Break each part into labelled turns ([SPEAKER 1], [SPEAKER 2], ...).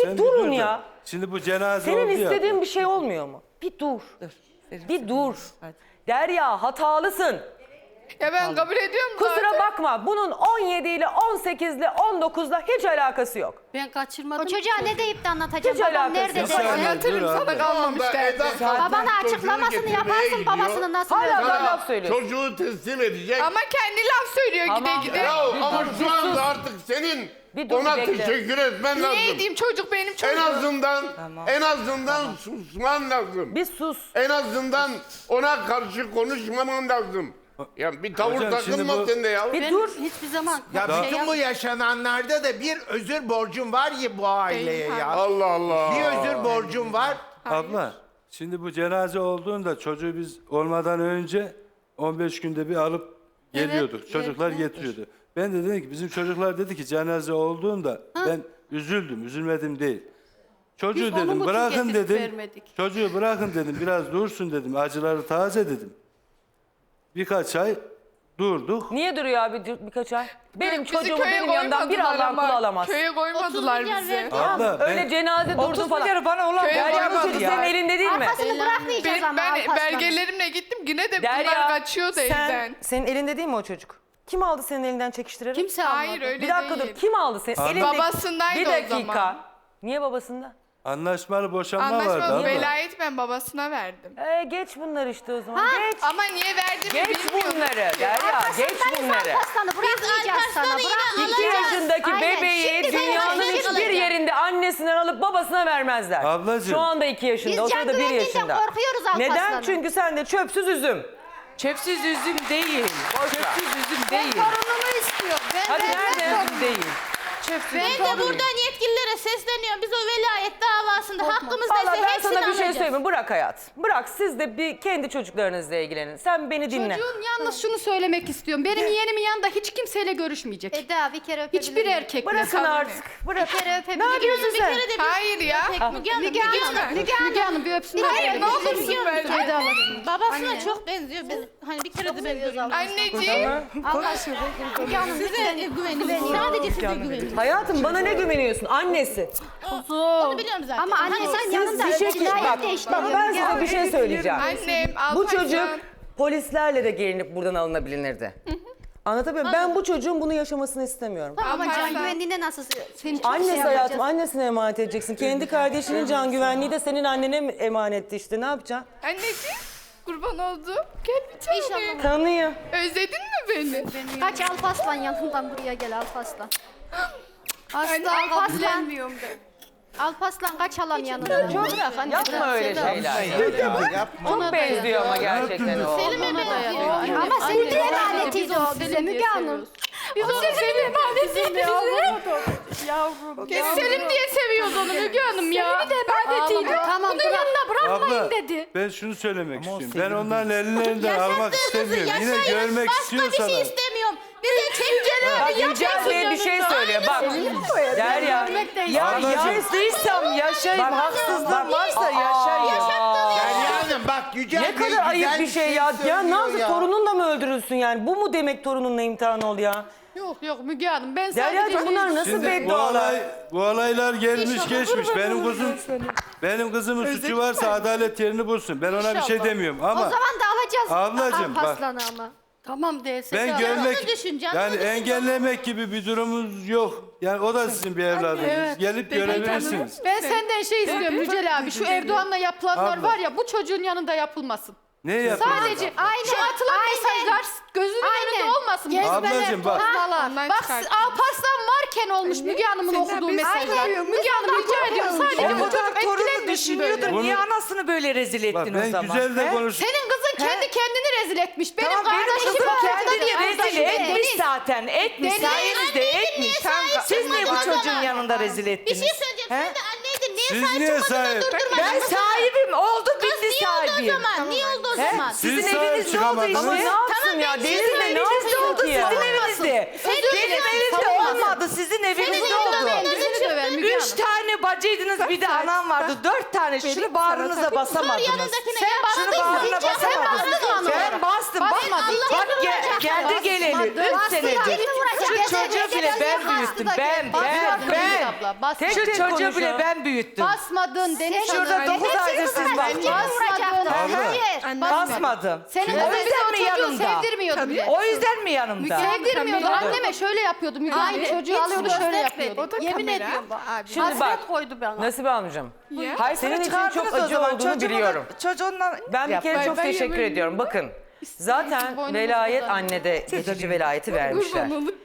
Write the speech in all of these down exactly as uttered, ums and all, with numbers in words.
[SPEAKER 1] Bir
[SPEAKER 2] Sen
[SPEAKER 1] durun
[SPEAKER 2] dur da.
[SPEAKER 1] ya.
[SPEAKER 2] Şimdi bu cenaze
[SPEAKER 1] Senin
[SPEAKER 2] oldu ya.
[SPEAKER 1] istediğin bir şey olmuyor mu? Bir dur. Bir dur. Derya hatalısın.
[SPEAKER 3] Ya ben kabul ediyorum
[SPEAKER 1] Kusura
[SPEAKER 3] zaten.
[SPEAKER 1] bakma. Bunun on yedi ile on sekiz ile on dokuz ile hiç alakası yok.
[SPEAKER 4] Ben kaçırmadım.
[SPEAKER 5] O çocuğa ne deyip de anlatacağım?
[SPEAKER 1] Hiç
[SPEAKER 5] Babam
[SPEAKER 1] alakası
[SPEAKER 5] nerede
[SPEAKER 1] yok.
[SPEAKER 5] derse.
[SPEAKER 3] Anlatırım
[SPEAKER 2] Dur
[SPEAKER 3] sana
[SPEAKER 2] abi.
[SPEAKER 3] kalmamış derdi.
[SPEAKER 5] Babana açıklamasını yaparsın, babasının nasıl
[SPEAKER 1] Hala
[SPEAKER 5] öldüğünü.
[SPEAKER 1] da laf söylüyor.
[SPEAKER 6] Çocuğu teslim edecek.
[SPEAKER 3] Ama kendi laf söylüyor
[SPEAKER 1] Tamam.
[SPEAKER 3] gide gide.
[SPEAKER 6] Ya
[SPEAKER 1] Bir
[SPEAKER 6] ama
[SPEAKER 1] dur, bir
[SPEAKER 6] şu anda
[SPEAKER 1] sus.
[SPEAKER 6] artık senin
[SPEAKER 1] Bir dur,
[SPEAKER 6] ona
[SPEAKER 1] bir bekle.
[SPEAKER 6] teşekkür etmen lazım.
[SPEAKER 3] Niye edeyim, çocuk benim çocuğum.
[SPEAKER 6] En azından en azından susman lazım.
[SPEAKER 1] Bir sus.
[SPEAKER 6] En azından ona karşı konuşmaman lazım. Ya bir tavır
[SPEAKER 2] Hocam, şimdi
[SPEAKER 6] takılma
[SPEAKER 2] bu-
[SPEAKER 6] sen de ya.
[SPEAKER 1] Bir
[SPEAKER 4] Ben
[SPEAKER 1] dur.
[SPEAKER 4] hiçbir zaman
[SPEAKER 7] Ya
[SPEAKER 4] şey
[SPEAKER 7] bütün
[SPEAKER 4] yap-
[SPEAKER 7] bu yaşananlarda da bir özür borcum var ya bu aileye ya.
[SPEAKER 6] Allah Allah.
[SPEAKER 7] Bir özür borcum var.
[SPEAKER 2] Abla şimdi bu cenaze olduğunda çocuğu biz olmadan önce on beş günde bir alıp geliyorduk.
[SPEAKER 4] Evet,
[SPEAKER 2] Çocuklar
[SPEAKER 4] evet.
[SPEAKER 2] getiriyordu. Ben de dedim ki bizim çocuklar dedi ki cenaze olduğunda ben üzüldüm, üzülmedim değil. Çocuğu
[SPEAKER 4] Biz onun
[SPEAKER 2] dedim
[SPEAKER 4] için
[SPEAKER 2] bırakın
[SPEAKER 4] getirip
[SPEAKER 2] dedim.
[SPEAKER 4] vermedik.
[SPEAKER 2] Çocuğu bırakın dedim biraz dursun dedim. Acıları taze dedim. Birkaç ay durduk.
[SPEAKER 1] Niye duruyor abi bir- birkaç ay? Benim
[SPEAKER 3] Bizi
[SPEAKER 1] çocuğumu
[SPEAKER 3] köye
[SPEAKER 1] benim yanımdan bir
[SPEAKER 3] koymadılar
[SPEAKER 1] Allah'ın
[SPEAKER 3] ama.
[SPEAKER 1] kulu alamaz.
[SPEAKER 3] Köye koymadılar
[SPEAKER 5] milyar
[SPEAKER 3] bizi.
[SPEAKER 5] verdi.
[SPEAKER 2] Abla ben
[SPEAKER 1] Öyle cenaze durdu falan.
[SPEAKER 8] bana olan
[SPEAKER 3] Köye
[SPEAKER 1] Derya bu
[SPEAKER 3] koymadılar.
[SPEAKER 1] çocuk senin elinde değil mi?
[SPEAKER 5] Arkasını bırakmayacağız
[SPEAKER 3] Ben,
[SPEAKER 5] ama
[SPEAKER 3] ben
[SPEAKER 5] Alparslan'ın.
[SPEAKER 3] belgelerimle gittim yine de bunlar
[SPEAKER 1] Derya
[SPEAKER 3] kaçıyordu
[SPEAKER 1] sen,
[SPEAKER 3] evden.
[SPEAKER 1] senin elinde değil mi o çocuk? Kim aldı senin elinden çekiştirerek?
[SPEAKER 4] Kimse almadı.
[SPEAKER 3] Hayır öyle
[SPEAKER 1] Bir dakika
[SPEAKER 3] değil.
[SPEAKER 1] dur. Kim aldı seni?
[SPEAKER 2] Abi-
[SPEAKER 1] Elinde...
[SPEAKER 3] Babasındaydı
[SPEAKER 1] Bir
[SPEAKER 3] o
[SPEAKER 1] dakika.
[SPEAKER 3] zaman.
[SPEAKER 1] Niye babasında?
[SPEAKER 2] anlaşmalı boşanma vardı
[SPEAKER 3] Anlaşmalı
[SPEAKER 2] abla.
[SPEAKER 3] velayet ben babasına verdim.
[SPEAKER 1] Ee, geç bunları işte o zaman. Geç.
[SPEAKER 3] Ama niye verdiğimi
[SPEAKER 1] Geç
[SPEAKER 3] bilmiyorum.
[SPEAKER 1] bunları Derya. Geç bunları.
[SPEAKER 5] Alparslan'ı bırakmayacağız sana, bırakmayacağız.
[SPEAKER 1] İki yaşındaki
[SPEAKER 5] Aynen,
[SPEAKER 1] bebeği
[SPEAKER 5] şimdi sen
[SPEAKER 1] dünyanın
[SPEAKER 5] yaşını
[SPEAKER 1] hiçbir
[SPEAKER 5] alacak.
[SPEAKER 1] yerinde annesinden alıp babasına vermezler.
[SPEAKER 2] Ablacığım.
[SPEAKER 1] Şu anda iki yaşında,
[SPEAKER 5] Biz
[SPEAKER 1] o
[SPEAKER 5] can
[SPEAKER 1] sırada bir
[SPEAKER 5] güvenliğinden
[SPEAKER 1] yaşında.
[SPEAKER 5] korkuyoruz Alparslan'ın.
[SPEAKER 1] Neden? Çünkü sen de çöpsüz üzüm.
[SPEAKER 8] Çöpsüz üzüm değil. Çöpsüz üzüm değil.
[SPEAKER 5] Torunumu istiyor. Ben
[SPEAKER 1] Hadi
[SPEAKER 5] vermem
[SPEAKER 1] nerede?
[SPEAKER 5] torunumu.
[SPEAKER 8] Üzüm değil. Çöpsüz
[SPEAKER 5] Ben
[SPEAKER 8] üzüm
[SPEAKER 5] de
[SPEAKER 8] değil.
[SPEAKER 5] buradan yetkililere sesleniyorum. Biz o velayet davasında hakkımız
[SPEAKER 1] Valla
[SPEAKER 5] neyse
[SPEAKER 1] ben
[SPEAKER 5] hepsini
[SPEAKER 1] sana bir şey
[SPEAKER 5] alacağız.
[SPEAKER 1] söyleyeyim mi? Bırak hayat. Bırak siz de bir kendi çocuklarınızla ilgilenin. Sen beni dinle.
[SPEAKER 9] Çocuğun yalnız şunu söylemek istiyorum. Benim yeğenimin yanında hiç kimseyle görüşmeyecek.
[SPEAKER 5] Eda bir kere öpebilir
[SPEAKER 9] Hiçbir
[SPEAKER 5] miyim?
[SPEAKER 9] erkekle.
[SPEAKER 1] Bırakın artık. Bırak.
[SPEAKER 5] Bir kere öpebilir
[SPEAKER 1] Ne yapıyorsun
[SPEAKER 5] miyim?
[SPEAKER 1] sen?
[SPEAKER 5] Bir kere de bir
[SPEAKER 3] Hayır ya.
[SPEAKER 5] Müge Hanım, Müge Hanım,
[SPEAKER 9] Müge Hanım, Müge Hanım bir öpsün.
[SPEAKER 3] Hayır ne olursun ben.
[SPEAKER 9] Eda alasın.
[SPEAKER 5] babasına çok benziyor. Biz, hani bir kere de ben görüyorum.
[SPEAKER 3] Anneciğim.
[SPEAKER 5] Allah aşkına. Müge Hanım size güveniyorum. Sadece size güveniyorum.
[SPEAKER 1] Hayatım bana ne güveniyorsun? Annesi.
[SPEAKER 5] Onu biliyorum zaten.
[SPEAKER 9] Ama anne sen
[SPEAKER 5] Siz
[SPEAKER 9] yanında
[SPEAKER 1] bir şey
[SPEAKER 5] cinayet
[SPEAKER 1] bak,
[SPEAKER 5] de işte.
[SPEAKER 1] bak ben size bir şey söyleyeceğim.
[SPEAKER 3] Annem
[SPEAKER 1] Bu
[SPEAKER 3] Alparslan.
[SPEAKER 1] çocuk polislerle de gelinip buradan alınabilirdi. Anlatabiliyor muyum? Ben bu çocuğun bunu yaşamasını istemiyorum.
[SPEAKER 5] Ama can
[SPEAKER 3] Alparslan.
[SPEAKER 5] güvenliğine nasıl senin çok
[SPEAKER 1] Annesi
[SPEAKER 5] şey
[SPEAKER 1] hayatım,
[SPEAKER 5] yapacağız.
[SPEAKER 1] annesine emanet edeceksin. Kendi kardeşinin can güvenliği de senin annene emanetti işte. Ne yapacaksın?
[SPEAKER 3] Anneciğim kurban oldu. Gel bir tane.
[SPEAKER 5] İnşallah.
[SPEAKER 1] Tanıyor.
[SPEAKER 3] Özledin mi beni?
[SPEAKER 5] Kaç Alparslan yanından buraya gel Alparslan.
[SPEAKER 3] Anne,
[SPEAKER 5] Aslı Alparslan.
[SPEAKER 3] kabullenmiyorum ben.
[SPEAKER 5] Alparslan kaç alan yanından. Çok bırak anne.
[SPEAKER 1] Yapma öyle şeyler.
[SPEAKER 7] Yapma.
[SPEAKER 1] Çok benziyor ama gerçekten o.
[SPEAKER 5] Selim'e benziyor.
[SPEAKER 9] Ama
[SPEAKER 5] Senin de emanetiyiz o bize Müge Hanım.
[SPEAKER 9] Biz onu Selim emanetiyiz bize. Yavrum. Selim diye seviyordu onu Müge Hanım ya. Selim'i de emanetiydi.
[SPEAKER 5] Tamam,
[SPEAKER 9] Bunun
[SPEAKER 5] bırak.
[SPEAKER 9] yanına bırakmayın
[SPEAKER 2] Abla
[SPEAKER 9] dedi.
[SPEAKER 2] ben şunu söylemek
[SPEAKER 7] Ama o
[SPEAKER 2] istiyorum. Ben
[SPEAKER 7] sevgili
[SPEAKER 2] onların ellerinden almak istemiyorum. Yine görmek
[SPEAKER 5] Başka
[SPEAKER 2] istiyorsalar.
[SPEAKER 5] bir şey istemiyorum. Bize çekeceğiz.
[SPEAKER 1] Bak Yücel Bey bir şey söylüyor. Bak Derya.
[SPEAKER 8] Ya
[SPEAKER 2] Ablacığım.
[SPEAKER 8] yaşlıysam yaşayayım. Haksızlığım varsa yaşayayım.
[SPEAKER 7] Derya Hanım bak Yücel
[SPEAKER 1] Ne
[SPEAKER 7] Bey
[SPEAKER 1] kadar
[SPEAKER 7] güzel
[SPEAKER 1] ayıp bir şey ya. Ya ne
[SPEAKER 7] söylüyor
[SPEAKER 1] yaptı? Torunun da mı öldürülsün yani? Bu mu demek torununla imtihan ol ya?
[SPEAKER 9] Yok yok Müge Hanım ben sadece...
[SPEAKER 1] Derya'cığım bunlar nasıl
[SPEAKER 2] Şimdi bu
[SPEAKER 1] beddualar?
[SPEAKER 2] olay bu olaylar gelmiş geçmiş. Benim kızım benim kızımın suçu varsa adalet yerini bulsun. Ben ona bir şey demiyorum
[SPEAKER 5] O
[SPEAKER 2] ama
[SPEAKER 5] zaman da alacağız
[SPEAKER 2] Ablacığım, bak.
[SPEAKER 5] Alparslan'ı ama.
[SPEAKER 4] Tamam değilse
[SPEAKER 2] ben
[SPEAKER 4] de-
[SPEAKER 2] görmek
[SPEAKER 5] düşün, canını
[SPEAKER 2] yani
[SPEAKER 5] düşün.
[SPEAKER 2] engellemek gibi bir durumumuz yok. Yani o da sizin bir evladınız. Gelip görebilirsiniz.
[SPEAKER 9] Ben senden şey istiyorum Yücel abi. Şu Erdoğan'la yapılanlar
[SPEAKER 2] Abla.
[SPEAKER 9] var ya bu çocuğun yanında yapılmasın.
[SPEAKER 2] Ne yapıyorsunuz?
[SPEAKER 9] Sadece
[SPEAKER 5] Aynen,
[SPEAKER 9] şu atılan
[SPEAKER 5] aynen.
[SPEAKER 9] mesajlar gözünün
[SPEAKER 5] Aynen.
[SPEAKER 9] önünde olmasın.
[SPEAKER 5] Gezmeler,
[SPEAKER 2] Ablacığım bak.
[SPEAKER 9] Toplalar.
[SPEAKER 3] Ondan
[SPEAKER 9] Bak
[SPEAKER 3] çıkarttım.
[SPEAKER 9] Alparslan varken olmuş Müge Hanım'ın okuduğu mesajlar. Müge Hanım rica ediyorum sadece
[SPEAKER 8] O
[SPEAKER 9] bu
[SPEAKER 8] kadar
[SPEAKER 9] çocuk
[SPEAKER 8] torunu
[SPEAKER 9] etkilenmesin
[SPEAKER 8] düşünüyordur.
[SPEAKER 9] böyle.
[SPEAKER 2] Bunu-
[SPEAKER 8] Niye anasını böyle rezil
[SPEAKER 2] Bak
[SPEAKER 8] ettin o
[SPEAKER 2] ben
[SPEAKER 8] zaman?
[SPEAKER 2] güzel de
[SPEAKER 8] He?
[SPEAKER 2] konuş.
[SPEAKER 9] Senin kızın kendi kendini rezil etmiş. Benim
[SPEAKER 8] Tamam benim
[SPEAKER 9] kardeşim
[SPEAKER 8] kızım
[SPEAKER 9] ortada
[SPEAKER 8] kendini
[SPEAKER 9] değil.
[SPEAKER 8] rezil
[SPEAKER 9] Kardeşim
[SPEAKER 8] etmiş
[SPEAKER 9] Deniz.
[SPEAKER 8] zaten. Etmiş.
[SPEAKER 9] Deniz.
[SPEAKER 8] Sayenizde etmiş.
[SPEAKER 5] sahip
[SPEAKER 8] Siz niye bu
[SPEAKER 5] çıkmadın o
[SPEAKER 8] çocuğun
[SPEAKER 5] zaman?
[SPEAKER 8] yanında rezil
[SPEAKER 5] Bir
[SPEAKER 8] ettiniz?
[SPEAKER 5] şey söyleyeceğim.
[SPEAKER 8] He?
[SPEAKER 5] Sen de anneydin. Niye
[SPEAKER 2] Siz
[SPEAKER 5] sahip
[SPEAKER 2] niye
[SPEAKER 5] çıkmadın da
[SPEAKER 2] sahip?
[SPEAKER 5] durdurmadın?
[SPEAKER 8] Ben
[SPEAKER 5] Nasıl-
[SPEAKER 8] sahibim. Oldu
[SPEAKER 5] Kız
[SPEAKER 8] bitti
[SPEAKER 5] niye oldu o
[SPEAKER 8] sahibiyim.
[SPEAKER 5] zaman? Niye oldu o
[SPEAKER 8] He?
[SPEAKER 5] zaman?
[SPEAKER 2] Siz
[SPEAKER 8] Sizin
[SPEAKER 2] sahip
[SPEAKER 8] evinizde oldu
[SPEAKER 2] çıkamadınız.
[SPEAKER 1] Ama ne
[SPEAKER 8] işte.
[SPEAKER 1] yapsın ya?
[SPEAKER 5] ben
[SPEAKER 1] Deniz
[SPEAKER 5] sizin
[SPEAKER 1] de ne
[SPEAKER 8] Evinizde
[SPEAKER 1] yapsın
[SPEAKER 8] oldu
[SPEAKER 1] ki ya?
[SPEAKER 8] sizin evinizde.
[SPEAKER 5] Senin
[SPEAKER 8] Benim
[SPEAKER 5] evinizde
[SPEAKER 8] evimde
[SPEAKER 5] olmasın.
[SPEAKER 8] olmadı sizin evinizde
[SPEAKER 5] evinde
[SPEAKER 8] oldu.
[SPEAKER 5] olmadı.
[SPEAKER 9] Yüzünü döver Müge
[SPEAKER 8] Üç
[SPEAKER 9] Hanım.
[SPEAKER 8] tane bir bacıydınız bir de anam vardı. Dört tane şunu bağrınıza basamadınız.
[SPEAKER 5] Sen
[SPEAKER 8] Şunu bağrına basamadınız. Ben bastım. Bak, bak ge- geldi geleli. Üç senedir. Şu çocuğu bile ben büyüttüm. Ben, ben, ben.
[SPEAKER 1] Tek
[SPEAKER 8] Şu
[SPEAKER 1] tek
[SPEAKER 8] çocuğu
[SPEAKER 1] konuşuyor.
[SPEAKER 8] bile ben büyüttüm.
[SPEAKER 5] Basmadın Deniz
[SPEAKER 8] Şurada
[SPEAKER 5] Hanım.
[SPEAKER 8] dokuz aydır siz baktınız.
[SPEAKER 5] Basmadın. Hayır.
[SPEAKER 8] Basmadım.
[SPEAKER 5] Senin
[SPEAKER 8] O
[SPEAKER 5] o
[SPEAKER 8] yüzden mi
[SPEAKER 5] çocuğu
[SPEAKER 8] yanımda?
[SPEAKER 5] sevdirmiyordu bile.
[SPEAKER 8] O yüzden mi yanımda?
[SPEAKER 5] Sevdirmiyordu. Anneme şöyle yapıyordu. Müge aynı çocuğu alıyordu şöyle yapıyordu.
[SPEAKER 3] Yemin ediyorum abi.
[SPEAKER 1] Şimdi bak
[SPEAKER 5] koydu bana.
[SPEAKER 1] Nasibe amcam.
[SPEAKER 8] Hayır,
[SPEAKER 1] Senin için
[SPEAKER 8] çıkardınız
[SPEAKER 1] çok
[SPEAKER 8] o
[SPEAKER 1] acı
[SPEAKER 8] zaman.
[SPEAKER 1] olduğunu
[SPEAKER 8] Çocuğumu da-
[SPEAKER 1] biliyorum.
[SPEAKER 8] Çocuğundan
[SPEAKER 1] Ben bir
[SPEAKER 8] yap.
[SPEAKER 1] kere
[SPEAKER 3] Bay
[SPEAKER 1] çok
[SPEAKER 3] bay
[SPEAKER 1] teşekkür
[SPEAKER 3] yemin-
[SPEAKER 1] ediyorum. Bakın zaten velayet annede geçici velayeti vermişler.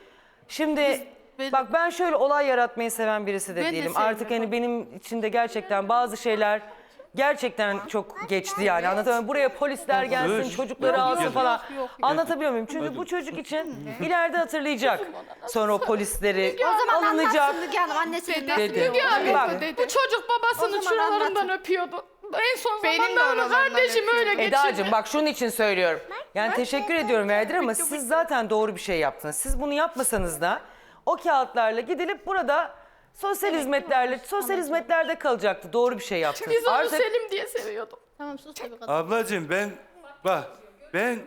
[SPEAKER 1] Şimdi bak ben şöyle olay yaratmayı seven birisi de
[SPEAKER 3] Ben de
[SPEAKER 1] değilim.
[SPEAKER 3] sevmiyorum.
[SPEAKER 1] Artık hani benim içinde gerçekten bazı şeyler gerçekten çok geçti yani anlatamıyorum. Buraya polisler gelsin,
[SPEAKER 2] Dur.
[SPEAKER 1] çocukları
[SPEAKER 2] Yok,
[SPEAKER 1] alsın
[SPEAKER 2] yok,
[SPEAKER 1] falan. Anlatabiliyor muyum? Çünkü bu çocuk için ileride hatırlayacak. Sonra o polisleri
[SPEAKER 5] O zaman
[SPEAKER 1] alınacak.
[SPEAKER 5] anlatsın Müge Hanım annesi nasıl
[SPEAKER 1] Dedi.
[SPEAKER 9] Müge Hanım,
[SPEAKER 1] Bak,
[SPEAKER 9] bu çocuk babasının
[SPEAKER 5] O zaman
[SPEAKER 9] şuralarından öpüyordu. En son
[SPEAKER 3] Benim de
[SPEAKER 9] zamanlarda
[SPEAKER 3] oralardan
[SPEAKER 9] kardeşim öyle geçirdi.
[SPEAKER 1] Eda'cığım bak şunun için söylüyorum. Yani teşekkür ediyorum Verdir ama siz zaten doğru bir şey yaptınız. Siz bunu yapmasanız da o kağıtlarla gidilip burada sosyal hizmetlerle, sosyal hizmetlerde kalacaktı. Doğru bir şey yaptınız.
[SPEAKER 9] Biz onu
[SPEAKER 1] Artık
[SPEAKER 9] Selim diye seviyorduk.
[SPEAKER 5] Tamam sus tabii kadın.
[SPEAKER 2] Ablacığım ben bak ben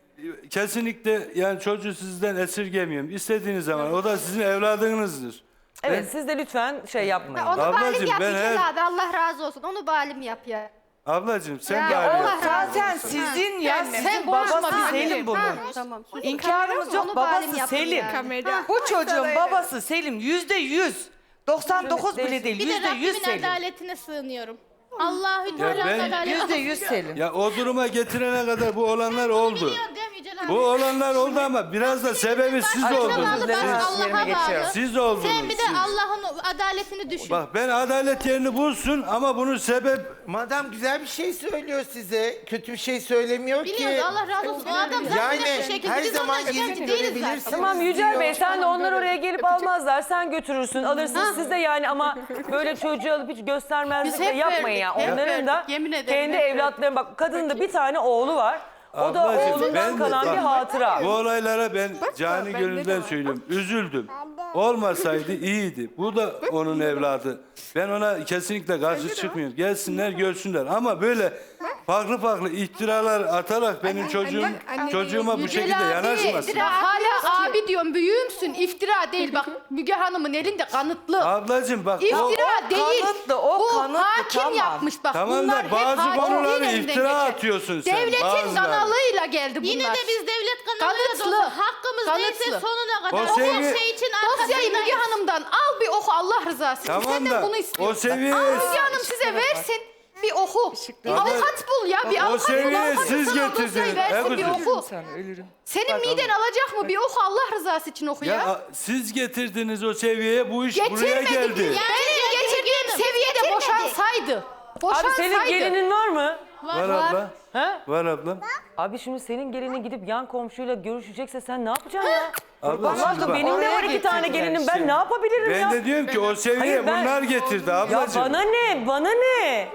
[SPEAKER 2] kesinlikle yani çocuğu sizden esirgemiyorum. İstediğiniz zaman o da sizin evladınızdır.
[SPEAKER 1] evet siz de lütfen şey yapmayın.
[SPEAKER 5] Onu
[SPEAKER 2] Ablacığım,
[SPEAKER 5] balim yap
[SPEAKER 2] ben
[SPEAKER 5] Yücel
[SPEAKER 2] her-
[SPEAKER 5] abi Allah razı olsun. Onu balim yap ya.
[SPEAKER 2] Ablacığım sen
[SPEAKER 5] Ya,
[SPEAKER 2] bari
[SPEAKER 5] Allah
[SPEAKER 2] yap.
[SPEAKER 8] Zaten sizin ya, sizin
[SPEAKER 5] Sen
[SPEAKER 8] babası
[SPEAKER 5] konuşma
[SPEAKER 8] Selim
[SPEAKER 5] benimle.
[SPEAKER 8] bunun.
[SPEAKER 5] Ha, Tamam.
[SPEAKER 8] İnkarımız
[SPEAKER 5] Onu
[SPEAKER 8] yok,
[SPEAKER 5] balim
[SPEAKER 8] babası
[SPEAKER 5] yapın
[SPEAKER 8] Selim.
[SPEAKER 5] ya.
[SPEAKER 3] Kamera.
[SPEAKER 8] Bu çocuğun babası Selim yüzde yüz. doksan dokuz
[SPEAKER 1] Şimdi
[SPEAKER 8] bile değil,
[SPEAKER 5] Bir de
[SPEAKER 8] yüzde yüz
[SPEAKER 5] Rabbimin
[SPEAKER 8] Selim.
[SPEAKER 5] adaletine sığınıyorum. Allahü
[SPEAKER 2] Ya
[SPEAKER 5] Teala
[SPEAKER 2] ben-
[SPEAKER 5] adaletine
[SPEAKER 8] Yüzde yüz Selim.
[SPEAKER 2] Ya o duruma getirene kadar bu olanlar oldu.
[SPEAKER 5] Biliyorum değil mi Yücel abi?
[SPEAKER 2] Bu olanlar oldu ama biraz da sebebi siz
[SPEAKER 5] Başına
[SPEAKER 2] oldunuz.
[SPEAKER 5] bağlı, baş
[SPEAKER 1] Siz-
[SPEAKER 5] Allah'a
[SPEAKER 1] yerine geçiyorum.
[SPEAKER 5] bağlı.
[SPEAKER 2] Siz oldunuz.
[SPEAKER 5] Sen bir de
[SPEAKER 2] siz.
[SPEAKER 5] Allah'ın adaletini düşün.
[SPEAKER 2] Bak ben adalet yerini bulsun ama bunun sebep
[SPEAKER 7] Madam güzel bir şey söylüyor size. Kötü bir şey söylemiyor ki.
[SPEAKER 5] Biliyoruz Allah razı olsun. O adam zaten
[SPEAKER 7] Yani
[SPEAKER 5] net bir şekilde
[SPEAKER 7] her
[SPEAKER 5] biz
[SPEAKER 7] zaman
[SPEAKER 5] ondan
[SPEAKER 7] yerini
[SPEAKER 5] şikayetçi değiliz zaten.
[SPEAKER 7] görebilirsiniz.
[SPEAKER 1] Tamam Yücel
[SPEAKER 7] diyor.
[SPEAKER 1] Bey sen de onlar oraya gelip almazlar. Sen götürürsün, alırsın siz de yani ama böyle çocuğu alıp hiç göstermezlik
[SPEAKER 3] Biz
[SPEAKER 1] de
[SPEAKER 3] hep
[SPEAKER 1] yapmayın ya.
[SPEAKER 3] verdik, hep
[SPEAKER 1] Onların da
[SPEAKER 3] verdik. Yemin ederim
[SPEAKER 1] kendi
[SPEAKER 3] hep
[SPEAKER 1] evlatları bak kadının da bir tane oğlu var. O da
[SPEAKER 2] Ablacığım,
[SPEAKER 1] oğlundan
[SPEAKER 2] ben de-
[SPEAKER 1] kalan
[SPEAKER 2] bak,
[SPEAKER 1] bir hatıra.
[SPEAKER 2] bu olaylara ben cani gönülden söylüyorum. Üzüldüm. Olmasaydı iyiydi. Bu da onun evladı. Ben ona kesinlikle karşı çıkmıyorum. Gelsinler görsünler. Ama böyle farklı farklı iftiralar atarak benim çocuğum
[SPEAKER 3] anne,
[SPEAKER 2] çocuğuma bu
[SPEAKER 9] Yücel
[SPEAKER 2] şekilde
[SPEAKER 9] abi,
[SPEAKER 2] yanaşmasın.
[SPEAKER 9] Bak hala abi diyorum büyüğümsün iftira değil bak Müge Hanım'ın elinde kanıtlı.
[SPEAKER 2] Ablacığım bak o,
[SPEAKER 9] İftira değil.
[SPEAKER 8] kanıtlı, o
[SPEAKER 9] Bu
[SPEAKER 8] kanıtlı,
[SPEAKER 9] hakim
[SPEAKER 8] tamam.
[SPEAKER 9] yapmış bak.
[SPEAKER 2] Tamam da
[SPEAKER 9] bunlar hep
[SPEAKER 2] bazı
[SPEAKER 9] hakim
[SPEAKER 2] konuları
[SPEAKER 9] değil elinden
[SPEAKER 2] iftira
[SPEAKER 9] geçen.
[SPEAKER 2] atıyorsun sen,
[SPEAKER 9] Devletin
[SPEAKER 2] bazıları.
[SPEAKER 9] kanalıyla geldi bunlar.
[SPEAKER 5] Yine de biz devlet kanalıyla
[SPEAKER 9] Kanıtlı.
[SPEAKER 5] da olsa hakkımız neyse
[SPEAKER 9] Kanıtlı.
[SPEAKER 5] sonuna kadar.
[SPEAKER 2] O
[SPEAKER 5] O
[SPEAKER 2] seviye-
[SPEAKER 5] her şey için
[SPEAKER 9] Dosyayı Müge
[SPEAKER 5] arkasındayız.
[SPEAKER 9] Hanım'dan al bir oku Allah rızası için.
[SPEAKER 2] Tamam
[SPEAKER 9] Senden
[SPEAKER 2] da
[SPEAKER 9] bunu istiyorum.
[SPEAKER 2] o seviyeye
[SPEAKER 9] Al Müge Hanım size versin bir oku. Bir avukat bul ya bir
[SPEAKER 2] o
[SPEAKER 9] avukat bul.
[SPEAKER 2] seviyeye
[SPEAKER 9] Avukat
[SPEAKER 2] siz
[SPEAKER 9] sana dosyayı
[SPEAKER 2] getirdiniz.
[SPEAKER 9] versin bir
[SPEAKER 2] Erkut'um.
[SPEAKER 9] oku.
[SPEAKER 8] Sen ölürüm.
[SPEAKER 9] Senin miden alacak mı bir oku Allah rızası için oku
[SPEAKER 2] Ya
[SPEAKER 9] ya.
[SPEAKER 2] a- siz getirdiniz o seviyeye bu iş buraya
[SPEAKER 9] Getirmedik.
[SPEAKER 2] geldi.
[SPEAKER 9] Benim getirdiğim seviyede boşansaydı.
[SPEAKER 1] Abi
[SPEAKER 9] Boşansaydı.
[SPEAKER 1] senin gelinin var mı?
[SPEAKER 2] Var abla.
[SPEAKER 1] He?
[SPEAKER 2] Var ablam.
[SPEAKER 1] Abi şimdi senin gelinin gidip yan komşuyla görüşecekse sen ne yapacaksın ya?
[SPEAKER 2] Abla
[SPEAKER 1] Allah
[SPEAKER 2] şimdi bak.
[SPEAKER 1] benim de var iki tane gelinim ben ne yapabilirim
[SPEAKER 2] Ben
[SPEAKER 1] ya?
[SPEAKER 2] de diyorum ki o seviyeye
[SPEAKER 1] Hayır, ben-
[SPEAKER 2] bunlar getirdi
[SPEAKER 1] Ya
[SPEAKER 2] ablacığım.
[SPEAKER 1] bana ne? Bana ne?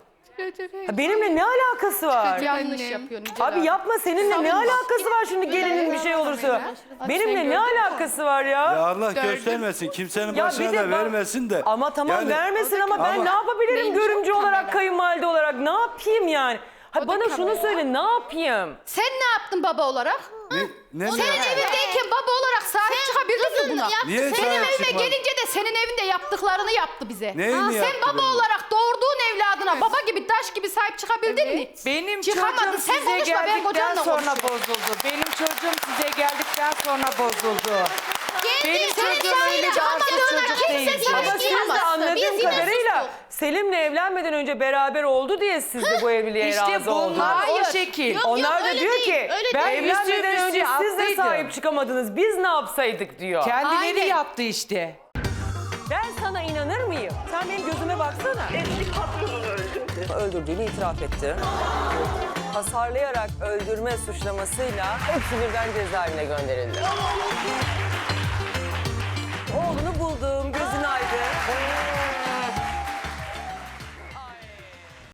[SPEAKER 1] Ha, benimle ne alakası var?
[SPEAKER 9] Yanlış yapıyorsun. Yücel
[SPEAKER 1] Abi yapma seninle ne alakası var şimdi gelinin bir şey olursa? Benimle ne alakası var
[SPEAKER 2] Ya
[SPEAKER 1] ya?
[SPEAKER 2] Allah göstermesin. Kimsenin
[SPEAKER 1] Ya
[SPEAKER 2] başına
[SPEAKER 1] bir de
[SPEAKER 2] da
[SPEAKER 1] bak-
[SPEAKER 2] vermesin de.
[SPEAKER 1] Ama tamam
[SPEAKER 2] Yani-
[SPEAKER 1] vermesin ama ben
[SPEAKER 2] Ama-
[SPEAKER 1] ne yapabilirim görümcü olarak, kayınvalide olarak? Ne yapayım yani? Ha, bana şunu söyle ne yapayım?
[SPEAKER 9] Sen ne yaptın baba olarak?
[SPEAKER 2] Ne, ne,
[SPEAKER 9] Senin
[SPEAKER 2] ne-
[SPEAKER 9] evindeyken baba olarak sahip çıkabildin mi buna?
[SPEAKER 2] Niye
[SPEAKER 9] Senin
[SPEAKER 2] sahip
[SPEAKER 9] evine
[SPEAKER 2] çıkmadın?
[SPEAKER 9] gelince de senin evinde yaptıklarını yaptı bize.
[SPEAKER 2] Neyini
[SPEAKER 9] Ha, sen
[SPEAKER 2] yaptı
[SPEAKER 9] baba
[SPEAKER 2] benim?
[SPEAKER 9] olarak doğurduğun evladına baba gibi taş gibi sahip çıkabildin mi?
[SPEAKER 8] Benim
[SPEAKER 9] Çıkamadın.
[SPEAKER 8] çocuğum
[SPEAKER 9] Sen
[SPEAKER 8] size
[SPEAKER 9] konuşma, ben
[SPEAKER 8] geldikten
[SPEAKER 9] kocanla
[SPEAKER 8] sonra
[SPEAKER 9] konuşurum.
[SPEAKER 8] bozuldu. Benim çocuğum size geldikten sonra bozuldu. Benim
[SPEAKER 5] Senin
[SPEAKER 8] çocuğum
[SPEAKER 5] sahip
[SPEAKER 8] öyle bir
[SPEAKER 5] çıkamadığına
[SPEAKER 8] arsız çocuk
[SPEAKER 5] kimse
[SPEAKER 8] değil.
[SPEAKER 5] sahip
[SPEAKER 1] Ama siz de
[SPEAKER 5] çıkamaz.
[SPEAKER 1] anladığım
[SPEAKER 5] Biz yine
[SPEAKER 1] kadarıyla
[SPEAKER 5] sustuk.
[SPEAKER 1] Selim'le evlenmeden önce beraber oldu diye siz de bu evliliğe
[SPEAKER 8] İşte
[SPEAKER 1] razı oldunuz.
[SPEAKER 8] bunlar
[SPEAKER 9] Hayır.
[SPEAKER 8] o şekil.
[SPEAKER 5] Yok,
[SPEAKER 1] Onlar da
[SPEAKER 5] öyle
[SPEAKER 1] diyor
[SPEAKER 5] değil,
[SPEAKER 1] ki
[SPEAKER 5] öyle
[SPEAKER 1] ben
[SPEAKER 5] değil.
[SPEAKER 1] evlenmeden
[SPEAKER 8] Üstü
[SPEAKER 1] önce
[SPEAKER 8] üstü
[SPEAKER 1] siz de
[SPEAKER 8] haklıydı.
[SPEAKER 1] sahip çıkamadınız. Biz ne yapsaydık diyor.
[SPEAKER 8] Kendileri
[SPEAKER 9] Aynen.
[SPEAKER 8] yaptı işte.
[SPEAKER 1] Ben sana inanır mıyım? Sen benim gözüme baksana.
[SPEAKER 4] Eski patronunu öldürdü.
[SPEAKER 1] Öldürdüğünü itiraf etti. Hasarlayarak öldürme suçlamasıyla hepsi birden cezaevine gönderildi.